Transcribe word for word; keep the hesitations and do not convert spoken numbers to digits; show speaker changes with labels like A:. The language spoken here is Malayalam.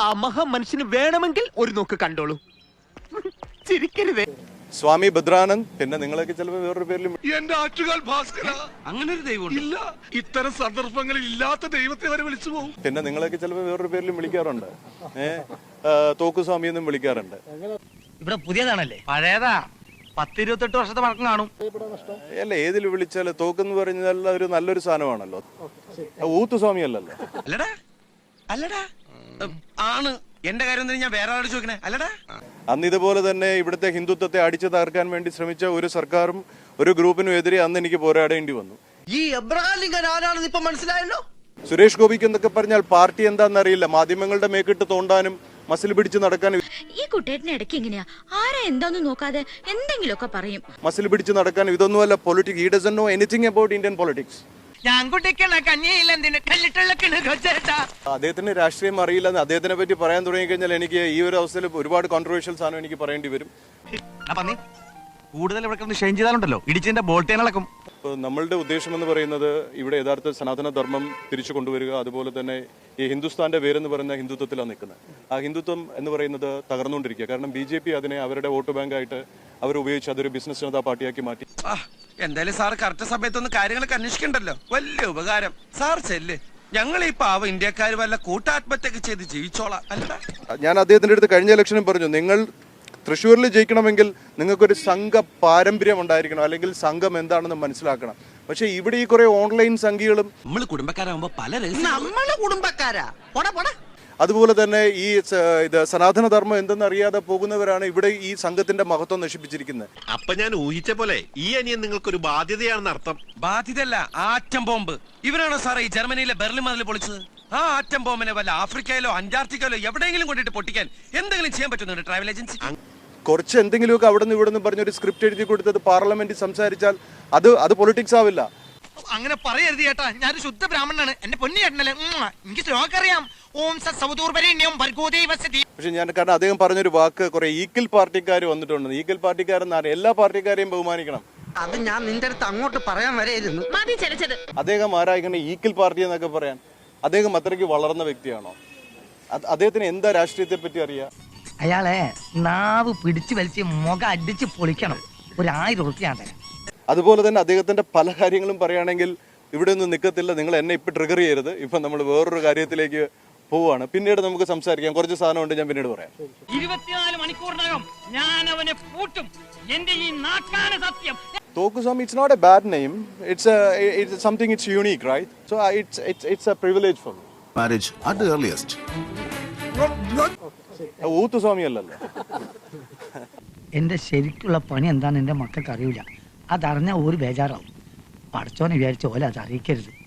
A: ആ മഹാമനുഷ്യന് വേണമെങ്കിൽ ഒരു നോക്ക് കണ്ടോളൂ. ചിരിക്കരുതേ.
B: സ്വാമി ഭദ്രാനന്ദ്, പിന്നെ നിങ്ങളൊക്കെ ചിലപ്പോൾ വേറൊരു പേരിലും
C: എന്റെ ആറ്റുകാൽ ഭാസ്കര,
D: അങ്ങനെ ഒരു ദൈവം
C: ഇല്ല, ഇത്തരം സന്ദർഭങ്ങളിൽ ഇല്ലാത്ത ദൈവത്തെ വരെ വിളിച്ചു പോകും.
B: പിന്നെ നിങ്ങളൊക്കെ ചിലപ്പോൾ വേറൊരു പേരിലും വിളിക്കാറുണ്ട്. ഏഹ് തോക്കുസ്വാമി എന്നും വിളിക്കാറുണ്ട്.
D: ഇവിടെ പുതിയതാണല്ലേ? പഴയതാ, പത്തിരുപത്തെട്ട് വർഷത്തെ പഴക്കം കാണും.
B: അല്ല, ഏതിൽ വിളിച്ചാൽ തോക്കെന്ന് പറഞ്ഞാൽ ഒരു നല്ലൊരു സാധനമാണല്ലോ. ഊത്തുസ്വാമി അല്ലല്ലോ.
D: അല്ലടാ അല്ലടാ ആണ്. എന്റെ കാര്യം ഞാൻ വേറെ ആളോട് ചോദിക്കണേ. അല്ലടാ,
B: അന്ന് ഇതുപോലെ തന്നെ ഇവിടുത്തെ ഹിന്ദുത്വത്തെ അടിച്ചു തകർക്കാൻ വേണ്ടി ശ്രമിച്ച ഒരു സർക്കാരും ഒരു ഗ്രൂപ്പിനും എതിരെ അന്ന് എനിക്ക് പോരാടേണ്ടി വന്നു.
D: ഈ എബ്രഹാം ലിങ്കൻ ആരാണെന്ന് ഇപ്പൊ മനസ്സിലായല്ലോ.
B: സുരേഷ് ഗോപിക്ക് എന്നൊക്കെ പറഞ്ഞാൽ പാർട്ടി എന്താണെന്നറിയില്ല. മാധ്യമങ്ങളുടെ മേക്കിട്ട് തോണ്ടാനും മസിൽ പിടിച്ച് നടക്കാനും.
E: ഈ കുട്ടേട്ടന് ഇടയ്ക്ക് എങ്ങനെയാ ആരാ എന്താന്ന് നോക്കാതെ എന്തെങ്കിലുമൊക്കെ പറയും.
B: മസിൽ പിടിച്ച് നടക്കാനും ഇതൊന്നുമല്ല politics. He doesn't know anything about Indian politics. അദ്ദേഹത്തിന് രാഷ്ട്രീയം അറിയില്ല. അദ്ദേഹത്തിനെ പറ്റി പറയാൻ തുടങ്ങി കഴിഞ്ഞാൽ എനിക്ക് ഈ ഒരു അവസ്ഥയിൽ ഒരുപാട് കോൺട്രവേഴ്ഷ്യൽ സാധനം എനിക്ക് പറയേണ്ടി വരും.
D: കൂടുതൽ ഇവിടെ ഷെയിൻ ചെയ്താലുണ്ടല്ലോ ഇടിച്ചതിന്റെ ബോൾട്ടേനളക്കും.
B: ഇപ്പോൾ നമ്മളുടെ ഉദ്ദേശം എന്ന് പറയുന്നത് ഇവിടെ യഥാർത്ഥ സനാതന ധർമ്മം തിരിച്ചു കൊണ്ടുവരിക, അതുപോലെ തന്നെ ഈ ഹിന്ദുസ്ഥാന്റെ പേരെന്ന് പറയുന്ന ഹിന്ദുത്വത്തിലാണ് നിൽക്കുന്നത്. ആ ഹിന്ദുത്വം എന്ന് പറയുന്നത് തകർന്നുകൊണ്ടിരിക്കുക. കാരണം ബി ജെ പി അതിനെ അവരുടെ വോട്ട് ബാങ്കായിട്ട് അവർ ഉപയോഗിച്ച് അതൊരു ബിസിനസ് ജനതാ പാർട്ടിയാക്കി മാറ്റി.
D: എന്തായാലും സാർ കറക്റ്റ് സമയത്തൊന്ന് കാര്യങ്ങളൊക്കെ അന്വേഷിക്കണ്ടല്ലോ. വലിയ ഉപകാരം. സാർ ചെല്ല്, ഞങ്ങൾ ഈ പാവം ഇന്ത്യക്കാർ വല്ല കൂട്ടാത്മഹത്യൊക്കെ ചെയ്ത് ജീവിച്ചോളാം. അല്ല,
B: ഞാൻ അദ്ദേഹത്തിന്റെ അടുത്ത് കഴിഞ്ഞ ഇലക്ഷനും പറഞ്ഞു, നിങ്ങൾ തൃശ്ശൂരിൽ ജയിക്കണമെങ്കിൽ നിങ്ങൾക്കൊരു സംഘ പാരമ്പര്യം ഉണ്ടായിരിക്കണം, അല്ലെങ്കിൽ സംഘം എന്താണെന്ന് മനസ്സിലാക്കണം. പക്ഷെ ഇവിടെ ഈ കുറെ ഓൺലൈൻ സംഘികളും
D: നമ്മള് കുടുംബക്കാരാകുമ്പോ പല നമ്മള് കുടുംബക്കാരാ.
B: അതുപോലെ തന്നെ ഈ ഇത് സനാതനധർമ്മം എന്തെന്നറിയാതെ പോകുന്നവരാണ് ഇവിടെ ഈ സംഘത്തിന്റെ മഹത്വം നശിപ്പിച്ചിരിക്കുന്നത്.
C: അപ്പൊ ഞാൻ ഊഹിച്ച പോലെ ഈ അനിയൻ നിങ്ങൾക്കൊരു ബാധ്യതയാണെന്ന് അർത്ഥം.
D: ബാധ്യതയല്ല, ആറ്റം ബോംബ്. ഇവരാണോ സാറേ ഈ ജർമ്മനിയിലെ ബെർലിൻ മതിൽ പൊളിച്ചത്? ആ ആറ്റം ബോംബിനെ വല്ല ആഫ്രിക്കയിലോ അന്റാർട്ടിക്കയിലോ എവിടെയെങ്കിലും കൊണ്ടിട്ട് പൊട്ടിക്കാൻ എന്തെങ്കിലും ചെയ്യാൻ പറ്റുന്നുണ്ട് ട്രാവൽ ഏജൻസി?
B: കുറച്ച് എന്തെങ്കിലുമൊക്കെ അവിടെ നിന്ന് ഇവിടെ നിന്ന് പറഞ്ഞൊരു സ്ക്രിപ്റ്റ് എഴുതി കൊടുത്തത് പാർലമെന്റിൽ സംസാരിച്ചാൽ അത് അത് പൊളിറ്റിക്സ് ആവില്ല.
F: അങ്ങനെ പറയരുത് ചേട്ടാ, ഞാനൊരു ശുദ്ധ ബ്രാഹ്മണനാണ്. എന്റെ പൊന്നു ചേട്ടനല്ലേ, എനിക്ക് ശ്ലോകം അറിയാം. ഓം
B: പക്ഷെ ഞാൻ കാരണം അദ്ദേഹം പറഞ്ഞൊരു വാക്ക് കുറെ ഈക്വൽ പാർട്ടിക്കാർ വന്നിട്ടുണ്ട്. ഈക്വൽ പാർട്ടിക്കാരെന്നാണ് എല്ലാ പാർട്ടിക്കാരെയും ബഹുമാനിക്കണം.
F: അത് ഞാൻ നിന്റെ അടുത്ത് അങ്ങോട്ട് പറയാൻ വരെയായിരുന്നു.
B: അദ്ദേഹം ആരാ ഇങ്ങനെ ഈക്വൽ പാർട്ടി എന്നൊക്കെ പറയാൻ? അദ്ദേഹം അത്രയ്ക്ക് വളർന്ന വ്യക്തിയാണോ? അദ്ദേഹത്തിന് എന്താ രാഷ്ട്രീയത്തെ പറ്റി അറിയാം?
G: അയാളെ നാവ് പിടിച്ചു വലിച്ച് മുഖം അടിച്ച് പൊളിക്കണം. ഒരു ആയിരം ഉറുപ്പിയാണ്.
B: അതുപോലെ തന്നെ അദ്ദേഹത്തിന്റെ പല കാര്യങ്ങളും പറയുകയാണെങ്കിൽ ഇവിടെ ഒന്നും നിൽക്കത്തില്ല. നിങ്ങൾ എന്നെ ഇപ്പൊ ട്രിഗർ ചെയ്യരുത്. ഇപ്പൊ നമ്മൾ വേറൊരു കാര്യത്തിലേക്ക് പോവാണ്. പിന്നീട് നമുക്ക് സംസാരിക്കാം. കുറച്ച് സാധനമുണ്ട്, ഞാൻ പിന്നീട് പറയാം.
G: ഇരുപത്തിനാല് മണിക്കൂറിനകം ഞാൻ അവനെ പൂട്ടും. എന്റെ ഈ നാക്കാന സത്യം.
B: തോക്കുസ്വാമി, it's not a bad name. It's a it's something it's unique, right? So uh, it's it's it's a privilege for me.
H: Marriage at the earliest.
B: ഊത്തുസ്വാമി അല്ലല്ലോ.
G: എന്റെ ശരിക്കുള്ള പണി എന്താന്ന് എന്റെ മക്കൾക്ക് അറിയില്ല. അതറിഞ്ഞാൽ ഒരു ബേജാറാവും. പഠിച്ചോനെ വിചാരിച്ച പോലെ അത് അറിയിക്കരുത്.